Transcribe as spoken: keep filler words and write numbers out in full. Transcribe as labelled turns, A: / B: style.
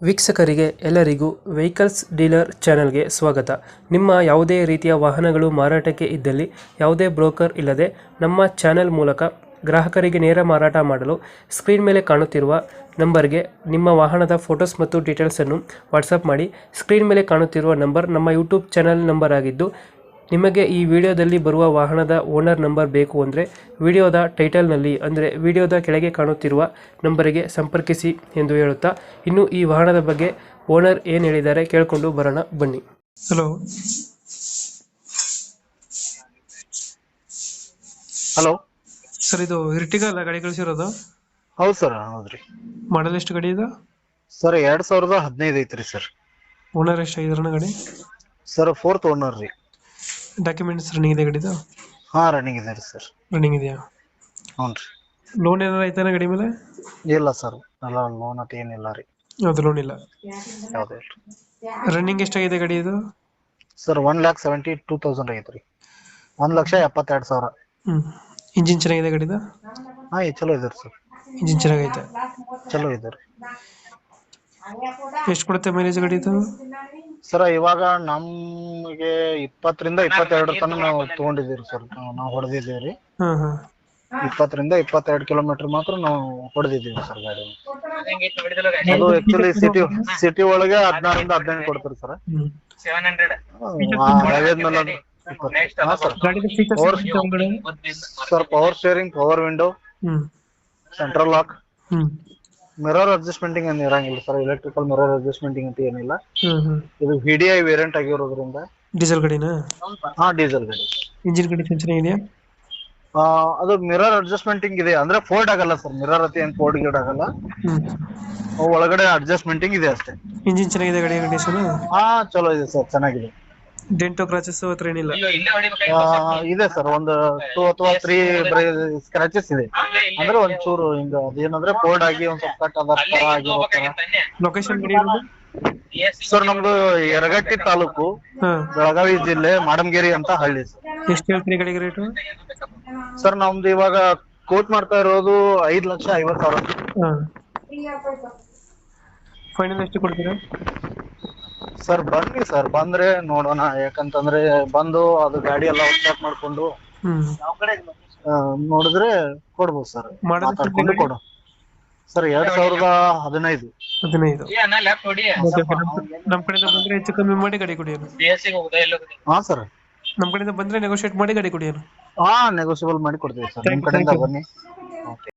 A: ವೀಕ್ಷಕರಿಗೆ ಎಲ್ಲರಿಗೂ vehicles dealer ಚಾನೆಲ್ಗೆ ಸ್ವಾಗತ. ನಿಮ್ಮ ಯಾವುದೇ ರೀತಿಯ ವಾಹನಗಳು ಮಾರಾಟಕ್ಕೆ ಇದ್ದಲ್ಲಿ ಯಾವುದೇ ಬ್ರೋಕರ್ ಇಲ್ಲದೆ ನಮ್ಮ ಚಾನೆಲ್ ಮೂಲಕ ಗ್ರಾಹಕರಿಗೆ ನೇರ ಮಾರಾಟ ಮಾಡಲು ಸ್ಕ್ರೀನ್ ಮೇಲೆ ಕಾಣುತ್ತಿರುವ ನಂಬರ್ಗೆ ನಿಮ್ಮ ವಾಹನದ ಫೋಟೋಸ್ ಮತ್ತು ಡೀಟೇಲ್ಸನ್ನು ವಾಟ್ಸಪ್ ಮಾಡಿ. ಸ್ಕ್ರೀನ್ ಮೇಲೆ ಕಾಣುತ್ತಿರುವ ನಂಬರ್ ನಮ್ಮ ಯೂಟ್ಯೂಬ್ ಚಾನೆಲ್ ನಂಬರ್ ಆಗಿದ್ದು, ನಿಮಗೆ ಈ ವಿಡಿಯೋದಲ್ಲಿ ಬರುವ ವಾಹನದ ಓನರ್ ನಂಬರ್ ಬೇಕು ಅಂದರೆ ವಿಡಿಯೋದ ಟೈಟಲ್ನಲ್ಲಿ ಅಂದರೆ ವಿಡಿಯೋದ ಕೆಳಗೆ ಕಾಣುತ್ತಿರುವ ನಂಬರಿಗೆ ಸಂಪರ್ಕಿಸಿ ಎಂದು ಹೇಳುತ್ತಾ, ಇನ್ನು ಈ ವಾಹನದ ಬಗ್ಗೆ ಓನರ್ ಏನು ಹೇಳಿದ್ದಾರೆ ಕೇಳಿಕೊಂಡು ಬರೋಣ ಬನ್ನಿ. ಹಲೋ
B: ಹಲೋ
A: ಸರ್, ಇದು ಇರ್ಟಿಗಾ ಅಲ್ಲ ಗಾಡಿ ಕಳಿಸಿರೋದು?
B: ಹೌದು ಸರ್, ಹೌದ್ರಿ.
A: ಮಾಡಲ್ ಎಷ್ಟು ಗಾಡಿ ಇದೆ
B: ಸರ್ ಎರಡ್ ಸಾವಿರದ ಹದಿನೈದು ಐತ್ರಿ ಸರ್.
A: ಓನರ್ ಎಷ್ಟು ಆಗಿದಾರಣ ಗಾಡಿ?
B: ಸರ್ ಫೋರ್ತ್ ಓನರ್ ರೀ.
A: ಡಾಕ್ಯುಮೆಂಟ್ಸ್ ರನ್ನಿಂಗ್ ಇದೆ ಗಾಡಿದು?
B: ಹಾ ರನ್ನಿಂಗ್ ಇದೆ ರೀ ಸರ್.
A: ರನ್ನಿಂಗ್ ಇದೆಯಾ?
B: ಹ್ಞೂ ರೀ.
A: ಲೋನ್ ಏನಾರ ಐತಾನ ಗಾಡಿ ಮೇಲೆ?
B: ಇಲ್ಲ ಸರ್, ಎಲ್ಲ ಲೋನ್ ಅಂತ ಏನಿಲ್ಲ ರೀ.
A: ಅದು ಲೋನ್ ಇಲ್ಲ.
B: ಯಾವುದೇ ಇಲ್ಲ.
A: ರನ್ನಿಂಗ್ ಎಷ್ಟಾಗಿದೆ ಗಾಡಿ ಇದು?
B: Sir one lakh seventy two thousand ಐತ್ರಿ. ಒಂದ್ ಲಕ್ಷ ಎಪ್ಪತ್ತೆರಡು ಸಾವಿರ.
A: ಹ್ಮ್ ಇಂಜಿನ್ ಚೆನ್ನಾಗಿದೆ ಗಾಡಿದು?
B: ಹಾ ಈ ಚಲೋ ಇದೆ ಸರ್.
A: ಇಂಜಿನ್ ಚೆನ್ನಾಗೈತೆ?
B: ಚಲೋ ಇದೆ ರೀ.
A: ಎಷ್ಟು ಕೊಡುತ್ತೆ ಮೈಲೇಜ್ ಗಾಡಿ ಇದು?
B: ಸರ್ ಇವಾಗ ನಮ್ಗೆ ಇಪ್ಪತ್ತರಿಂದ ಇಪ್ಪತ್ತೆರಡು ತನಕ ನಾವು ತಗೊಂಡಿದ್ದೀವಿ ಸರ್. ನಾವು ಹೊಡೆದಿದ್ದೀವಿ ರೀ.
A: ಹಾಂ ಹಾಂ
B: ಇಪ್ಪತ್ತರಿಂದ ಇಪ್ಪತ್ತೆರಡು ಕಿಲೋಮೀಟರ್ ಮಾತ್ರ ನಾವು ಹೊಡೆದಿದ್ದೀವಿ ಸರ್ ಗಾಡಿ. ಅದು ಆಕ್ಚುಲಿ ಸಿಟಿ ಸಿಟಿ ಒಳಗೆ ಹದಿನಾರರಿಂದ ಹದಿನೆಂಟು ಕೊಡ್ತಾರೆ ಸರ್.
A: ಹ್ಮ್ ಗಾಡಿದ ಫೀಚರ್ಸ್ ಒಳಗಡೆ?
B: Sir power steering, power window,
A: hmm
B: central lock,
A: hmm
B: mirror ಅಡ್ಜಸ್ಟ್ಮೆಂಟಿಂಗ್ ಏನು ಇರಂಗಿಲ್ಲ ಸರ್. ಎಲೆಕ್ಟ್ರಿಕಲ್ ಮಿರರ್ ಅಡ್ಜಸ್ಟ್ಮೆಂಟಿಂಗ್ ಅಂತ ಏನಿಲ್ಲ.
A: ಹ್ಮ್ ಹ್ಮ್
B: ಇದು ವಿ ಡಿ ಐ ವೇರಿಯಂಟ್ ಆಗಿರೋದ್ರಿಂದ.
A: ಡೀಸೆಲ್ ಗಾಡಿನಾ?
B: ಹಾ ಡೀಸೆಲ್ ಗಾಡಿ.
A: ಇಂಜಿನ್ ಕಂಡೀಷನ್ ಚೆನ್ನಾಗಿದೆಯಾ?
B: ಆ ಅದು ಮಿರರ್ ಅಡ್ಜಸ್ಟ್ಮೆಂಟಿಂಗ್ ಇದೆ, ಅಂದ್ರೆ ಫೋಲ್ಡ್ ಆಗಲ್ಲ ಸರ್. ಮಿರರ್ ಅತಿ ಏನ್ ಫೋಲ್ಡ್ ಗೀಡ್ ಆಗಲ್ಲ.
A: ಹ್ಮ್
B: ಅವು ಒಳಗಡೆ ಅಡ್ಜಸ್ಟ್ಮೆಂಟಿಂಗ್ ಇದೆ ಅಷ್ಟೇ.
A: ಇಂಜಿನ್ ಚೆನ್ನಾಗಿದೆ ಗಾಡಿ ಕಂಡೀಷನ್?
B: ಹಾ ಚಲೋ ಇದೆ ಸರ್, ಚೆನ್ನಾಗಿದೆ.
A: ಡೆಂಟೋ ಕ್ರಾಚಸ್ ಹತ್ರ ಏನಿಲ್ಲ?
B: ಆ, ಇದೆ ಸರ್, ಒಂದು ಟೂ ಅಥವಾ ತ್ರೀ ಸ್ಕ್ರಾಚಸ್ ಇದೆ. ಅಂದ್ರೆ ಒಂದ್ ಚೂರು ಹಿಂಗ ಅದೇನಂದ್ರೆ ಫೋಲ್ಡ್ ಆಗಿ ಒಂದ್ ಸ್ವಲ್ಪ ಕಟ್ ಅದ ತರ ಆಗಿರೋ ತರ.
A: ಲೊಕೇಶನ್ ಗಾಡಿ ಇರೋದು?
B: ಸರ್ ನಮ್ದು ಯರಗಟ್ಟಿ ತಾಲೂಕು,
A: ಹಾ.
B: ಬೆಳಗಾವಿ ಜಿಲ್ಲೆ, ಮಾಡಮಗೇರಿ ಅಂತ ಹಳ್ಳಿ ಸರ್.
A: ಎಷ್ಟು ಹೇಳ್ತೀರಿ ಗಾಡಿಗೆ ರೇಟು?
B: ಸರ್ ನಮ್ದು ಇವಾಗ ಕೋಟ್ ಮಾಡ್ತಾ ಇರೋದು ಐದ್ ಲಕ್ಷ ಐವತ್ ಸಾವಿರ.
A: ಹಾ. ಫೈನಲ್ ಎಷ್ಟು ಕೊಡ್ತೀರಾ?
B: ಸರ್ ಬನ್ನಿ ಸರ್, ಬಂದ್ರೆ ನೋಡೋಣ. ಯಾಕಂತಂದ್ರೆ ಬಂದು ಅದು ಗಾಡಿ ಎಲ್ಲ ಚೆಕ್ ಮಾಡ್ಕೊಂಡು
A: ಹ್ಮ್
B: ಆ, ನೋಡಿದ್ರೆ ಕೊಡ್ಬೋದು ಸರ್.
A: ಮಾಡೋದು
B: ಮಾತಾಡ್ಕೊಂಡು ಕೊಡು ಸರ್. ಎರಡ್ ಸಾವಿರದ ಹದಿನೈದು
A: ಹದಿನೈದು ನಮ್ ಕಡೆಯಿಂದ ಬಂದ್ರೆ ಹೆಚ್ಚು ಕಮ್ಮಿ ಮಾಡಿ ಗಾಡಿ ಕೊಡಿಯೋನು.
B: ಹಾ ಸರ್.
A: ನಮ್ ಕಡೆಯಿಂದ ಬಂದ್ರೆ ನೆಗೋಶಿಯೇಟ್ ಮಾಡಿ ಗಾಡಿ ಕೊಡಿಯೋನು.
B: ಹಾ ನೆಗೋಸಿಯಬಲ್ ಮಾಡಿ ಕೊಡ್ತೀವಿ ಸರ್. ನಿಮ್ ಕಡೆಯಿಂದ ಬನ್ನಿ. ಓಕೆ.